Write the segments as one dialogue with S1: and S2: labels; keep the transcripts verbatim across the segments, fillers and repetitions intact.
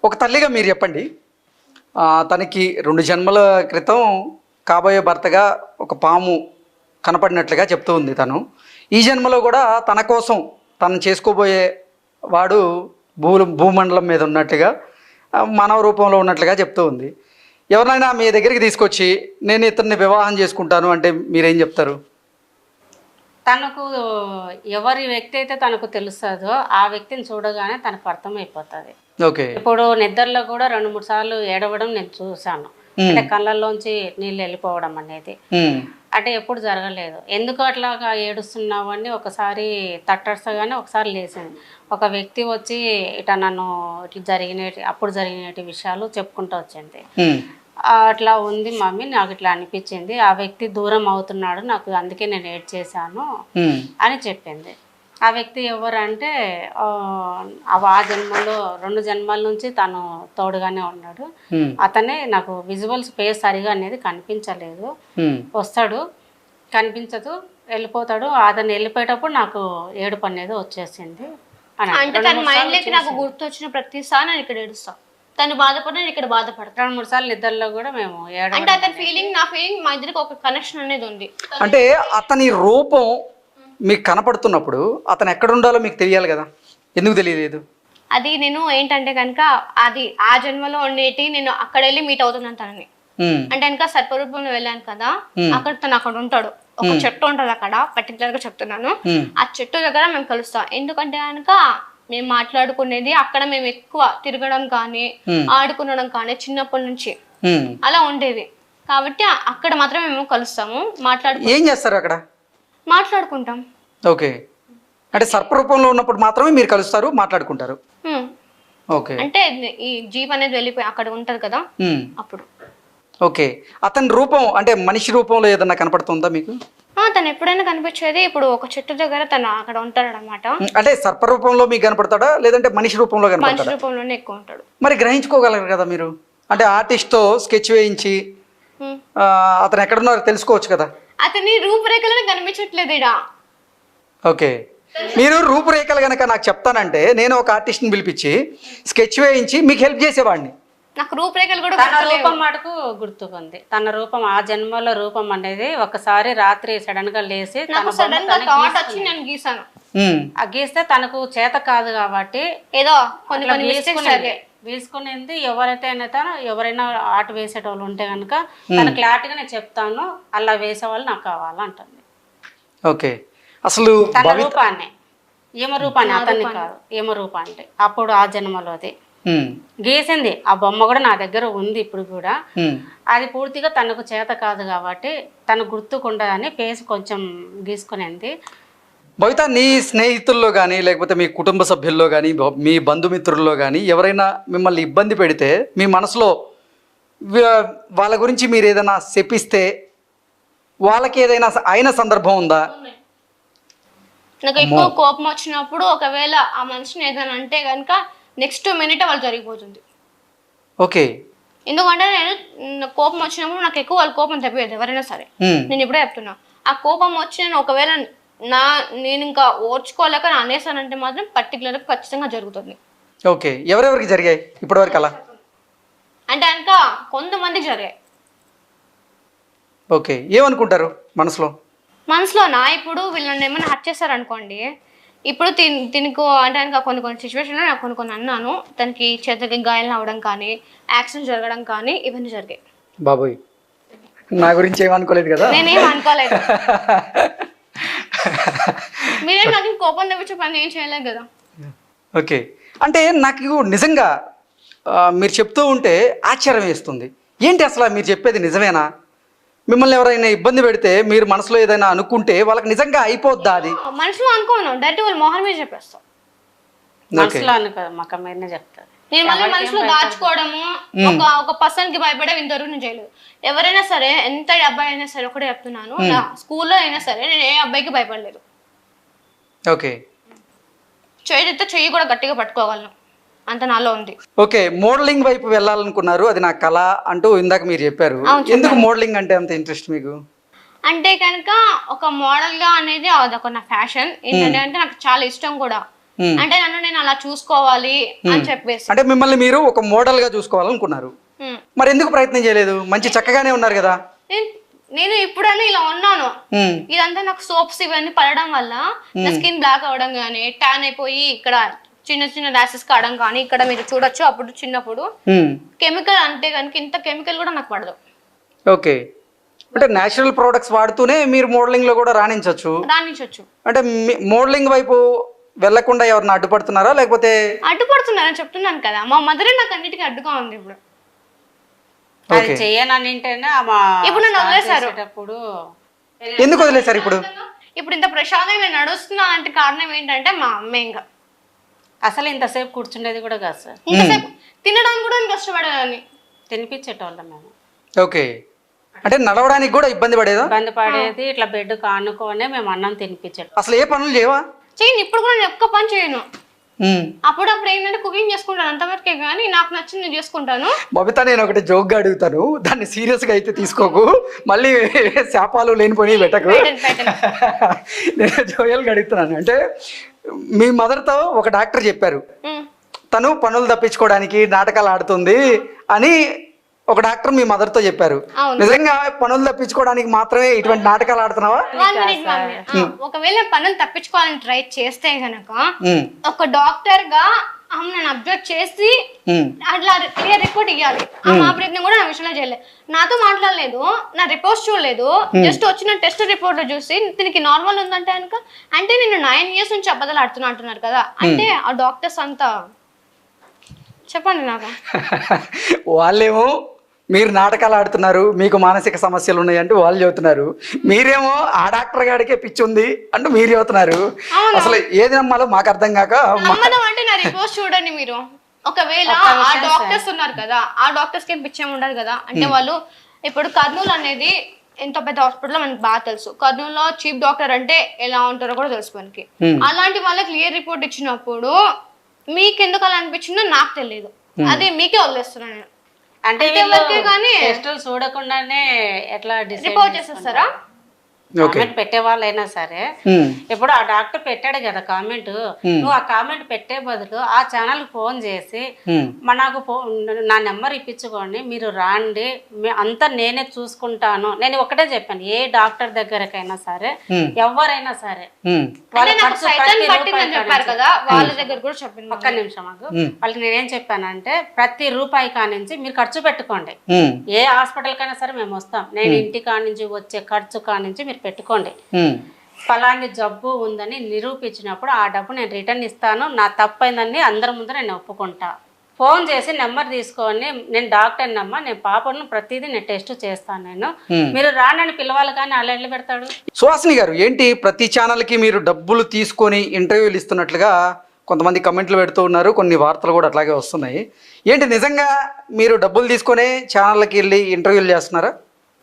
S1: ఒక తల్లిగా మీరు చెప్పండి, తనకి రెండు జన్మల క్రితం కాబోయే భర్తగా ఒక పాము కనపడినట్లుగా చెప్తూ ఉంది. తను ఈ జన్మలో కూడా తన కోసం తను చేసుకోబోయే వాడు భూ భూమండలం మీద ఉన్నట్లుగా మానవ రూపంలో ఉన్నట్లుగా చెప్తూ ఉంది. ఎవరినైనా మీ దగ్గరికి తీసుకొచ్చి నేను ఇతన్ని వివాహం చేసుకుంటాను అంటే మీరేం చెప్తారు?
S2: తనకు ఎవరి వ్యక్తి అయితే తనకు తెలుస్తుందో ఆ వ్యక్తిని చూడగానే తనకు అర్థమైపోతుంది.
S1: ఓకే.
S2: ఇప్పుడు నిద్రలో కూడా రెండు మూడు సార్లు ఏడవడం నేను చూశాను. అంటే కళ్ళల్లోంచి నీళ్ళు వెళ్ళిపోవడం అనేది అంటే ఎప్పుడు జరగలేదు. ఎందుకు అట్లాగా ఏడుస్తున్నావు అని ఒకసారి తట్టడసగానే ఒకసారి లేచింది. ఒక వ్యక్తి వచ్చి ఇట నన్ను ఇట్లా జరిగిన అప్పుడు జరిగిన విషయాలు చెప్పుకుంటూ వచ్చింది. అట్లా ఉంది మమ్మీ, నాకు ఇట్లా అనిపించింది, ఆ వ్యక్తి దూరం అవుతున్నాడు నాకు, అందుకే నేను ఏడ్ చేశాను అని చెప్పింది. ఆ వ్యక్తి ఎవరంటే ఆ జన్మలో రెండు జన్మల నుంచి తను తోడుగానే ఉన్నాడు. అతనే నాకు విజువల్స్ పేస్ సరిగా అనేది కనిపించలేదు, వస్తాడు కనిపించదు వెళ్ళిపోతాడు. అతను వెళ్ళిపోయేటప్పుడు నాకు ఏడుపు అనేది వచ్చేసింది.
S3: అంటే తన మైండ్ లోకి నాకు గుర్తు వచ్చిన ప్రతిసారి నేను ఇక్కడ ఏడుస్తాను, తను బాధపడిన ఇక్కడ బాధపడతాను.
S2: రెండు మూడు సార్లు నిద్రలో కూడా మేము
S3: అంటే అతని ఫీలింగ్ నా ఫీలింగ్ మా ఇద్దరికి ఒక కనెక్షన్ అనేది ఉంది.
S1: అంటే అతని రూపం మీకు కనపడుతున్నప్పుడు అతను ఎక్కడ ఉండాలో మీకు తెలియాలి కదా, ఎందుకు తెలియలేదు?
S3: అది నేను ఏంటంటే కనుక అది ఆ జన్మలో ఉండేటి నేను అక్కడ వెళ్ళి మీట్ అవుతున్నాను తనని. అంటే కనుక సర్పరూపంలో వెళ్ళాను కదా, అక్కడ తను అక్కడ ఉంటాడు, ఒక చెట్టు ఉంటది అక్కడ, పర్టికులర్ గా చెప్తున్నాను. ఆ చెట్టు దగ్గర మేము కలుస్తాం. ఎందుకంటే కనుక మేము మాట్లాడుకునేది అక్కడ మేము ఎక్కువ తిరగడం కానీ ఆడుకునడం కానీ చిన్నప్పటి నుంచి అలా ఉండేది కాబట్టి అక్కడ మాత్రం మేము కలుస్తాము, మాట్లాడుకు
S1: ఏం చేస్తారు అక్కడ
S3: మాట్లాడుకుంటాం.
S1: ఓకే. అంటే సర్పరూపంలో ఉన్నప్పుడు మాత్రమే మీరు కలుస్తారు, మాట్లాడుకుంటారు. ఓకే.
S3: అంటే ఈ జీప్ అనేది వెళ్ళిపోయి అక్కడ ఉంటది కదా అప్పుడు.
S1: ఓకే. అతని రూపం అంటే మనిషి రూపంలో ఏదన్నా కనపడుతుందా మీకు?
S3: తను ఎప్పుడైనా కనిపించేది ఇప్పుడు ఒక చెట్టు దగ్గర తను అక్కడ ఉంటాడు అనమాట.
S1: అంటే సర్ప రూపంలో మీకు కనపడతాడా లేదంటే మనిషి రూపంలో కనపడతాడా?
S3: మనిషి రూపంలోనే ఎక్కువ ఉంటాడు.
S1: మరి గ్రహించుకోగలరు కదా మీరు, అంటే ఆర్టిస్ట్ తో స్కెచ్ వేయించి అతను ఎక్కడున్నారో తెలుసుకోవచ్చు కదా.
S3: అతని రూపురేఖలను కనిపించట్లేదు ఇడా.
S1: ఓకే. మీరు రూపురేఖలు కనుక నాకు చెప్తానంటే నేను ఒక ఆర్టిస్ట్ని పిలిపించి స్కెచ్ వేయించి మీకు హెల్ప్ చేసేవాడిని.
S3: నాకు రూపురేఖలు కూడా
S2: తన రూపం మటుకు గుర్తుకుంది. తన రూపం ఆ జన్మలో రూపం అనేది ఒకసారి రాత్రి సడన్ గా లేసి
S3: గీసాను.
S2: ఆ గీస్తే తనకు చేత కాదు కాబట్టి
S3: ఏదో కొన్ని కొన్ని
S2: గీసుకునేది. ఎవరైతే తను ఎవరైనా ఆట వేసేటోళ్ళు ఉంటే కనుక తన క్లారిటీగా నేను చెప్తాను, అలా వేసే వాళ్ళు నాకు కావాలంటుంది.
S1: ఓకే. అసలు
S2: తన రూపాన్ని ఏమ రూపాన్ని అతన్ని కాదు, ఏమ రూప అంటే అప్పుడు ఆ జన్మలోది గీసింది. ఆ బొమ్మ కూడా నా దగ్గర ఉంది ఇప్పుడు కూడా. అది పూర్తిగా తనకు చేత కాదు కాబట్టి తను గుర్తుకుండదని ఫేస్ కొంచెం గీసుకునేది.
S1: బహుశా నీ స్నేహితుల్లో కానీ లేకపోతే మీ కుటుంబ సభ్యుల్లో కానీ మీ బంధుమిత్రుల్లో కానీ ఎవరైనా మిమ్మల్ని ఇబ్బంది పెడితే మీ మనసులో వాళ్ళ గురించి మీరు ఏదైనా చెప్పిస్తే వాళ్ళకి ఏదైనా అయిన సందర్భం ఉందా?
S3: నాకు ఎక్కువ కోపం వచ్చినప్పుడు ఒకవేళ ఆ మనిషిని ఏదైనా అంటే కనుక నెక్స్ట్ మినిట్ వాళ్ళు జరిగిపోతుంది.
S1: ఓకే.
S3: ఎందుకంటే నేను కోపం వచ్చినప్పుడు నాకు ఎక్కువ వాళ్ళ కోపం తప్పేది ఎవరైనా సరే. నేను ఇప్పుడే చెప్తున్నా, ఆ కోపం వచ్చి నేను ఒకవేళ నా నేను ఇంకా ఓర్చుకోలేక అనేసానంటే మాత్రం పర్టికులర్ గా ఖచ్చితంగా జరుగుతుంది.
S1: ఓకే. ఎవరెవరికి జరిగాయి ఇప్పటి వరకు అలా?
S3: అంటే కనుక కొంతమందికి జరిగాయి.
S1: ఓకే. ఏమనుకుంటారు మనసులో?
S3: మనసులో నా ఇప్పుడు వీళ్ళని ఏమైనా హర్ట్ చేశారనుకోండి, ఇప్పుడు తిని తినకు అంటే కనుక కొన్ని కొన్ని సిచ్యువేషన్లో నాకు కొన్ని కొన్ని అన్నాను, తనకి చేతికి గాయాలు అవ్వడం కానీ యాక్సిడెంట్ జరగడం కానీ ఇవన్నీ జరిగాయి.
S1: బాబోయ్, నా గురించి ఏమనుకోలేదు కదా?
S3: నేనేం అనుకోలేదు. మీరే నాకు కోపం తెప్పించే పని ఏం చేయలేదు కదా.
S1: ఓకే. అంటే నాకు నిజంగా మీరు చెప్తూ ఉంటే ఆశ్చర్యం వేస్తుంది. ఏంటి అసలు మీరు చెప్పేది నిజమేనా? మిమ్మల్ని ఎవరైనా ఇబ్బంది పెడితే మీరు మనసులో ఏదైనా అనుకుంటే వాళ్ళకి నిజంగా అయిపోద్దా? అది
S3: మనసులో అనుకోను, డైరెక్ట్ వాళ్ళ మొహం మీద చెప్పేస్తాం.
S2: మనసులో అనుకో మొఖం మీదనే చెప్తారు.
S3: నేను మళ్ళీ మనసులో దాచుకోవడము, ఒక ఒక పర్సన్ కి భయపడే ఇంతవరకు నేను చేయలేదు. ఎవరైనా సరే ఎంత అబ్బాయి అయినా సరే ఒకటే చెప్తున్నాను, నా స్కూల్లో అయినా సరే నేను ఏ అబ్బాయికి భయపడలేదు.
S1: ఓకే.
S3: చేతితో చెయ్యి కూడా గట్టిగా పట్టుకోగలను, అంత నాలో ఉంది.
S1: ఓకే. మోడలింగ్ వైపు వెళ్ళాలనుకున్నారు, అది నా కళ అంటూ ఇందాక మీరు చెప్పారు. ఎందుకు మోడలింగ్ అంటే అంత ఇంట్రెస్ట్ మీకు?
S3: అంటే కనుక ఒక మోడల్ గా అనేది అదొక నా ఫ్యాషన్. ఏంటంటే అంటే నాకు చాలా ఇష్టం కూడా. అంటే నన్ను నేను అలా చూసుకోవాలి అని చెప్పేసి.
S1: అంటే మిమ్మల్ని మీరు ఒక మోడల్ గా చూసుకోవాలనుకున్నారు,
S3: ఉమ్.
S1: మరి ఎందుకు ప్రయత్నం చేయలేదు? మంచి చక్కగానే ఉన్నారు కదా.
S3: నేను- నేను ఇప్పుడన్నా ఇలా ఉన్నాను,
S1: ఉమ్,
S3: ఇదంతా నాకు సోప్స్ ఇవన్నీ పడడం వల్ల నా స్కిన్ బ్లాక్ అవడం కానీ, ట్యాన్ అయిపోయి ఇక్కడ చిన్న చిన్న ర్యాషెస్ కావడం కానీ, ఇక్కడ మీరు చూడొచ్చు అప్పుడు చిన్నప్పుడు
S1: ఉమ్,
S3: కెమికల్ అంటే కనుక ఇంత కెమికల్ కూడా నాకు పడదు.
S1: ఓకే. అంటే నేచురల్ ప్రోడక్ట్స్ వాడుతూనే మీరు మోడలింగ్ లో కూడా రాణించవచ్చు.
S3: రాణించవచ్చు.
S1: అంటే మోడలింగ్ వైపు వెళ్లకుండా ఎవరిని అడ్డుపడుతున్నారా లేకపోతే?
S3: అడ్డుపడుతున్నారని చెప్తున్నాను కదా, మా మదరే నాకు అన్నిటికీ అడ్డుగా ఉంది ఇప్పుడు.
S2: అది చెయ్యనంటేనే ఆమె
S3: ఇప్పుడు నన్ను వదిలేశారు.
S2: చేసేటప్పుడు
S1: ఎందుకు వదిలేశారు ఇప్పుడు?
S3: ఇప్పుడు ఇంత ప్రశాంతంగా నేను నడుస్తున్నా అంటే కారణం ఏంటంటే మా అమ్మ. ఇంకా
S2: అసలు ఇంతసేపు కూర్చుండేది కూడా కాదు సార్,
S3: ఇంతసేపు తినడానికి కూడా నేను కష్టపడేదాన్ని.
S2: తినిపించేటోళ్ళం మేము.
S1: ఓకే. అంటే నడవడానికి కూడా ఇబ్బంది పడేదా?
S2: ఇబ్బంది పడేది, ఇట్లా బెడ్ కానుకోనే మేము అన్నం తినిపించేటోళ్ళం.
S1: అసలు ఏ పనులు చేయవా?
S3: చేయను, ఇప్పుడు కూడా నేను ఒక్క పని చేయను.
S1: ఉమ్.
S3: అప్పుడప్పుడు ఏంటంటే కుకింగ్ చేసుకుంటాను అంతవరకే, కానీ నాకు నచ్చింది నేను చేసుకుంటాను.
S1: బబిత, నేను ఒకటి జోక్గా అడుగుతాను, దాన్ని సీరియస్ గా అయితే తీసుకోకు, మళ్ళీ శాపాలు లేనిపోయి పెట్టకు.
S3: పెట్టండి, పెట్టండి.
S1: నేను జోయల్గా అడుగుతున్నాను. అంటే మీ మదర్తో ఒక డాక్టర్ చెప్పారు,
S3: ఉమ్.
S1: తను పనులు తప్పించుకోవడానికి నాటకాలు ఆడుతుంది అని ఒక డాక్టర్ మీ మదర్తో చెప్పారు.
S3: అవును.
S1: నిజంగా పనులు తప్పించుకోవడానికి మాత్రమే ఇటువంటి నాటకాలు ఆడుతున్నావా?
S3: One minute, one minute. ఆ, ఒకవేళ పనులు తప్పించుకోవాలని ట్రై చేస్తే గనక
S1: ఉమ్,
S3: ఒక డాక్టర్ గా ఆమె నన్ను అబ్జర్వ్ చేసి
S1: ఉమ్,
S3: అట్లా క్లియర్ రిపోర్ట్ ఇవ్వాలి. ఆమె ఆ ప్రయత్నం కూడా నా విషయంలో చేయలేదు, నాతో మాట్లాడలేదు, నా రిపోర్ట్స్ చూడలేదు. జస్ట్ వచ్చిన టెస్ట్ రిపోర్ట్ చూసి దీనికి నార్మల్ ఉందంటే కనుక, అంటే నేను నైన్ ఇయర్స్ నుంచి అబద్ధాలు ఆడుతున్నా అంటున్నారు కదా, అంటే ఆ డాక్టర్స్ అంతా చెప్పండి నాకు.
S1: వాళ్ళేమో మీరు నాటకాలు ఆడుతున్నారు, మీకు మానసిక సమస్యలు ఉన్నాయి అంటే వాళ్ళు చెబుతున్నారు, మీరేమో ఆ డాక్టర్ గాడికే పిచ్చి ఉంది అంటూ మీరు చెబుతున్నారు. అసలు ఏది నమ్మాలో మాకు అర్థం కాక
S3: నమ్మడం అంటే నా రిపోర్ట్స్ చూడండి మీరు. ఒకవేళ ఆ డాక్టర్స్ ఉన్నారు కదా, ఆ డాక్టర్స్ కి పిచ్చేం ఉండదు కదా. అంటే వాళ్ళు ఇప్పుడు కర్నూలు అనేది ఎంత పెద్ద హాస్పిటల్ మనకి బాగా తెలుసు. కర్నూలులో చీఫ్ డాక్టర్ అంటే ఎలా ఉంటారో కూడా తెలుసు మనకి. అలాంటి వాళ్ళకి క్లియర్ రిపోర్ట్ ఇచ్చినప్పుడు మీకు ఎందుకు అలా అనిపించిందో నాకు తెలియదు, అది మీకే వదిలేస్తున్నాను నేను.
S2: అంటే
S3: అంతవరకే కానీ
S2: టెస్టులు చూడకుండానే ఎట్లా
S3: రిపోర్ట్ చేసేస్తారా?
S2: కామెంట్ పెట్టే వాళ్ళైనా సరే,
S1: ఉమ్,
S2: ఇప్పుడు ఆ డాక్టర్ పెట్టాడు కదా కామెంట్, నువ్వు ఆ కామెంట్ పెట్టే బదులు ఆ ఛానల్ ఫోన్ చేసి
S1: ఉమ్,
S2: మా నాకు ఫోన్ నా నెంబర్ ఇప్పించుకోండి, మీరు రాండి, మే- అంతా నేనే చూసుకుంటాను. నేను ఒకటే చెప్పాను, ఏ డాక్టర్ దగ్గరకైనా సరే, ఎవరైనా సరే,
S1: ఉమ్,
S2: వాళ్ళ
S3: అంటే నాకు
S2: ఖర్చు
S3: సైతం
S2: ప్రతి
S3: పట్టిందని
S2: రూపాయి
S3: చెప్పారు కదా, వాళ్ళ దగ్గర కూడా చెప్పింది.
S2: ఒక్క నిమిషం మాకు వాళ్ళకి నేనేం చెప్పానంటే, ప్రతి రూపాయి కానించి మీరు ఖర్చు పెట్టుకోండి.
S1: ఉమ్,
S2: ఏ హాస్పిటల్ కైనా సరే మేము వస్తాం, నేను ఇంటి కానించి వచ్చే ఖర్చు కానించి మీరు పెట్టుకోండి.
S1: ఉమ్,
S2: ఫలాని జబ్బు ఉందని నిరూపించినప్పుడు ఆ డబ్బు నేను రిటర్న్ ఇస్తాను, నా తప్పైందని అందరి ముందు నేను ఒప్పుకుంటా. ఫోన్ చేసి నెంబర్ తీసుకొని, నేను డాక్టర్ అమ్మా, నేను పాపను ప్రతిదీ నేను టెస్ట్ చేస్తాను, నేను మీరు రానని పిలవాలి, కానీ అలా వెళ్ళి పెడతాడు.
S1: సుహాసిని గారు, ఏంటి ప్రతి ఛానల్కి మీరు డబ్బులు తీసుకొని ఇంటర్వ్యూలు ఇస్తున్నట్లుగా కొంతమంది కమెంట్లు పెడుతూ ఉన్నారు, కొన్ని వార్తలు కూడా అట్లాగే వస్తున్నాయి. ఏంటి నిజంగా మీరు డబ్బులు తీసుకొని ఛానళ్ళకి వెళ్ళి ఇంటర్వ్యూలు చేస్తున్నారా?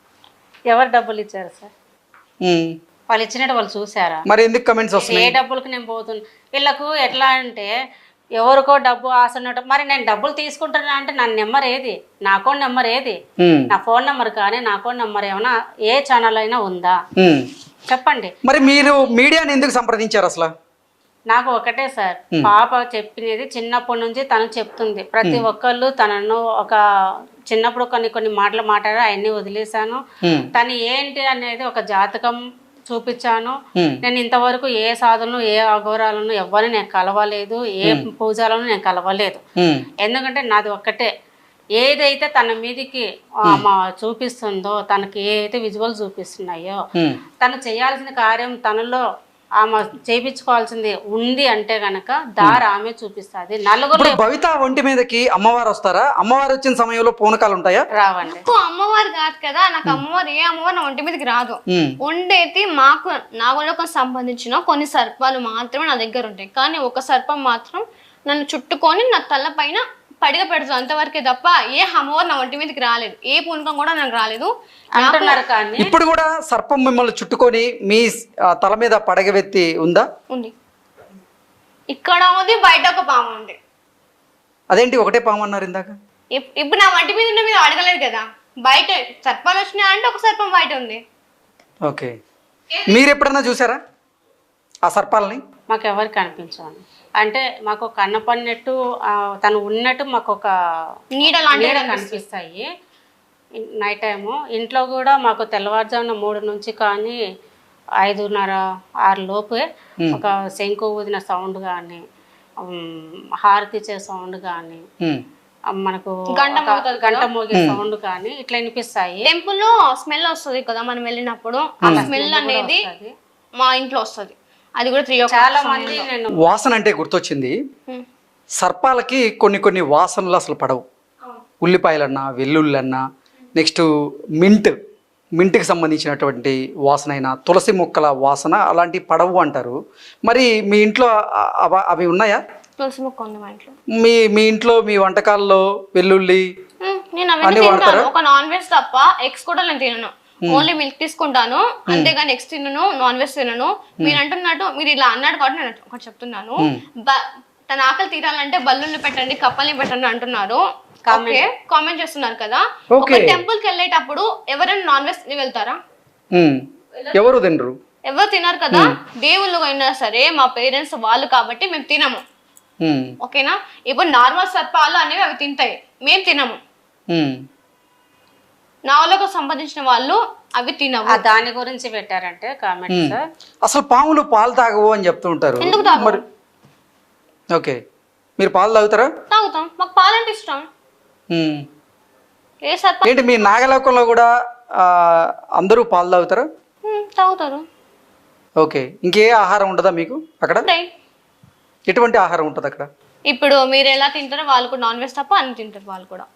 S2: ఎవరు డబ్బులు ఇచ్చారు సార్?
S1: ఉమ్,
S2: వాళ్ళు ఇచ్చినట్టు వాళ్ళు చూసారా?
S1: మరి ఎందుకు కమెంట్స్
S2: ఏ
S1: వస్తున్నాయి?
S2: డబ్బులకు నేను పోతున్నా, వీళ్ళకు ఎట్లా అంటే ఎవరికో డబ్బు ఆశ ఉన్నట్టు. మరి నేను డబ్బులు తీసుకుంటున్నా అంటే నా నెంబర్ ఏది, నా అకౌంట్ నెంబర్ ఏది,
S1: ఉమ్,
S2: నా ఫోన్ నెంబర్ కానీ నా అకౌంట్ నెంబర్ ఏమైనా ఏ ఛానల్ అయినా ఉందా
S1: ఉమ్.
S2: చెప్పండి.
S1: మరి మీరు మీడియాని ఎందుకు సంప్రదించారు అసలు?
S2: నాకు ఒకటే సార్, పాప చెప్పినది చిన్నప్పటి నుంచి తను చెప్తుంది, ప్రతి ఒక్కళ్ళు తనను ఒక చిన్నప్పుడు కొన్ని కొన్ని మాటలు మాట్లాడారు, అవన్నీ వదిలేశాను.
S1: ఉమ్,
S2: తను ఏంటి అనేది ఒక జాతకం చూపించాను.
S1: ఉమ్,
S2: నేను ఇంతవరకు ఏ సాధనలు ఏ అఘోరాలను ఎవరిని నేను కలవలేదు, ఏ పూజలను నేను కలవలేదు.
S1: ఉమ్,
S2: ఎందుకంటే నాది ఒక్కటే, ఏదైతే తన మీదికి ఆమె చూపిస్తుందో, తనకి ఏదైతే విజువల్ చూపిస్తున్నాయో,
S1: ఉమ్,
S2: తను చేయాల్సిన కార్యం తనలో ఆమె చేయించుకోవాల్సింది ఉంది అంటే గనక దారి ఆమె చూపిస్తుంది. నలుగురు
S1: ఇప్పుడు భవిత ఒంటి మీదకి అమ్మవారు వస్తారా? అమ్మవారు వచ్చిన సమయంలో పూనకాలు ఉంటాయా?
S2: రావండి.
S3: నాకు అమ్మవారు కాదు కదా, నాకు అమ్మవారు ఏ అమ్మవారు నా ఒంటి మీదకి రాదు.
S1: ఉమ్,
S3: ఉండేది మాకు నాగలోకం సంబంధించిన కొన్ని సర్పాలు మాత్రమే నా దగ్గర ఉంటాయి, కానీ ఒక సర్పం మాత్రం నన్ను చుట్టుకొని నా తల పైన పడిగ పెడుతుంది, అంతవరకే తప్ప ఏ అమ్మవారు నా ఒంటి మీదకి రాలేదు, ఏ పూనకం కూడా నాకు రాలేదు
S2: అంటున్నారు. కానీ
S1: ఇప్పుడు కూడా సర్పం మిమ్మల్ని చుట్టుకొని మీ ఆ, తల మీద పడగవెత్తి ఉందా?
S3: ఉంది. ఇక్కడ ఉంది, బయట ఒక పాము ఉంది.
S1: అదేంటి ఒకటే పాము అన్నారు ఇందాక?
S3: ఇప్- ఇప్పుడు నా వంటి మీద ఉన్న మీద అడగలేదు కదా, బయట సర్పాలు వచ్చినాయి అంటే ఒక సర్పం బయట ఉంది.
S1: ఓకే. మీరు ఎప్పుడన్నా చూసారా ఆ సర్పాలని?
S2: మాకు ఎవరికి కనిపించవండి. అంటే మాకు కన్నపడినట్టు ఆ, తను ఉన్నట్టు మాకు ఒక
S3: నీడ లాంటివి
S2: నీడ కనిపిస్తాయి నైట్ టైము. ఇంట్లో కూడా మాకు తెల్లవారుజామున మూడు నుంచి కానీ ఐదున్నర ఆరు లోపే ఒక శంకు ఊదిన సౌండ్ కానీ హారతి ఇచ్చే సౌండ్ కానీ
S1: ఉమ్,
S2: మనకు
S3: గంట
S2: ఒక గంట మోగే సౌండ్ కానీ ఇట్లా వినిపిస్తాయి.
S3: టెంపుల్ లో స్మెల్ వస్తుంది కదా మనం వెళ్ళినప్పుడు, ఆ స్మెల్ అనేది మా ఇంట్లో వస్తుంది. అది కూడా త్రీ
S2: చాలా మంది నేను
S1: వాసన అంటే గుర్తొచ్చింది. సర్పాలకి కొన్ని కొన్ని వాసనలు అసలు పడవు. ఉల్లిపాయలన్నా వెల్లుల్లన్నా నెక్స్ట్ మింట్ మింట్కి సంబంధించినటువంటి వాసన అయినా తులసి మొక్కల వాసన అలాంటివి పడవు అంటారు. మరి మీ ఇంట్లో అ- అవ- అవి ఉన్నాయా?
S3: తులసి మొక్క ఉంది మా ఇంట్లో.
S1: మీ మీ ఇంట్లో మీ వంటకాల్లో వెల్లుల్లి
S3: ఉమ్, నేను అవన్నీ తింటాను. ఒక నాన్ వెజ్ తప్ప ఎగ్స్ కూడా నేను తినను. ఓన్లీ మిల్క్ తీసుకుంటాను అంతేగాని ఎగ్స్ తినను, నాన్ వెజ్ తినను. మీరు అంటున్నట్టు మీరు ఇలా అన్నాడు కాబట్టి నేను ఒకటి చెప్తున్నాను. బ- తన ఆకలి తీరాలంటే బల్లుల్ని పెట్టండి, కప్పల్ని పెట్టండి అంటున్నారు. ఓకే, కామెంట్ చేస్తున్నారు కదా. ఒక టెంపుల్ కి వెళ్ళేటప్పుడు ఎవరైనా నాన్ వెజ్ తిని వెళ్తారా?
S1: ఉమ్, ఎవరు తినరు,
S3: ఎవరు తినరు కదా. దేవుళ్ళు అయినా సరే మా పేరెంట్స్ వాళ్ళు కాబట్టి మేము తినము.
S1: ఉమ్,
S3: ఓకేనా. ఇప్పుడు నార్మల్ సర్పాలు అనేవి అవి తింటాయి, మేము తినము.
S1: ఉమ్.
S3: నావలకు సంబంధించిన వాళ్ళు అవి తినవు.
S2: ఆ దాని గురించి పెట్టారంటే కామెంట్స్.
S1: అసలు పాములు పాలు తాగవు అని చెప్తూ ఉంటారు.
S3: ఎందుకు తాగవు?
S1: మరి ఓకే, మీరు పాలు తాగుతారా?
S3: తాగుతాం, మాకు పాలంటే ఇష్టం.
S1: ఉమ్.
S3: ఏ సర్ప
S1: ఏంటి మీ నాగలోకంలో కూడా ఆ, అందరూ పాలు తాగుతారా?
S3: ఉమ్, తాగుతారు.
S1: ఓకే, ఇంకే ఆహారం ఉండదా మీకు అక్కడ?
S3: ఉంటాయి.
S1: ఎటువంటి ఆహారం ఉంటుంది అక్కడ?
S3: ఇప్పుడు మీరు ఎలా తింటారో వాళ్ళు కూడా నాన్ వెజ్ తప్ప అన్ని తింటారు వాళ్ళు కూడా.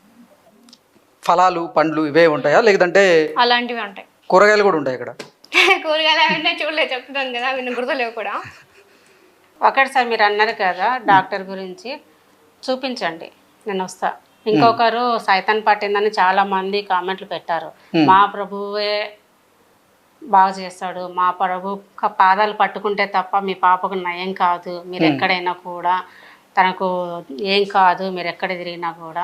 S1: ఫలాలు పండ్లు ఇవే ఉంటాయా లేదంటే
S3: అలాంటివి ఉంటాయి.
S1: కూరగాయలు కూడా ఉంటాయి అక్కడ?
S3: కూరగాయలు అవన్నీ చూడలేదు, చెప్తున్నాను కదా, అవి నాకు గుర్తులేవు కూడా.
S2: ఒకటి సార్ మీరు అన్నారు కదా డాక్టర్ గురించి, చూపించండి నేను వస్తా. ఇంకొకరు సైతాన్ పట్టిందని చాలా మంది కామెంట్లు పెట్టారు. మా ప్రభువే బాగా చేస్తాడు, మా ప్రభు క- పాదాలు పట్టుకుంటే తప్ప మీ పాపకు నయం కాదు, మీరు ఎక్కడైనా కూడా తనకు ఏం కాదు, మీరు ఎక్కడ తిరిగినా కూడా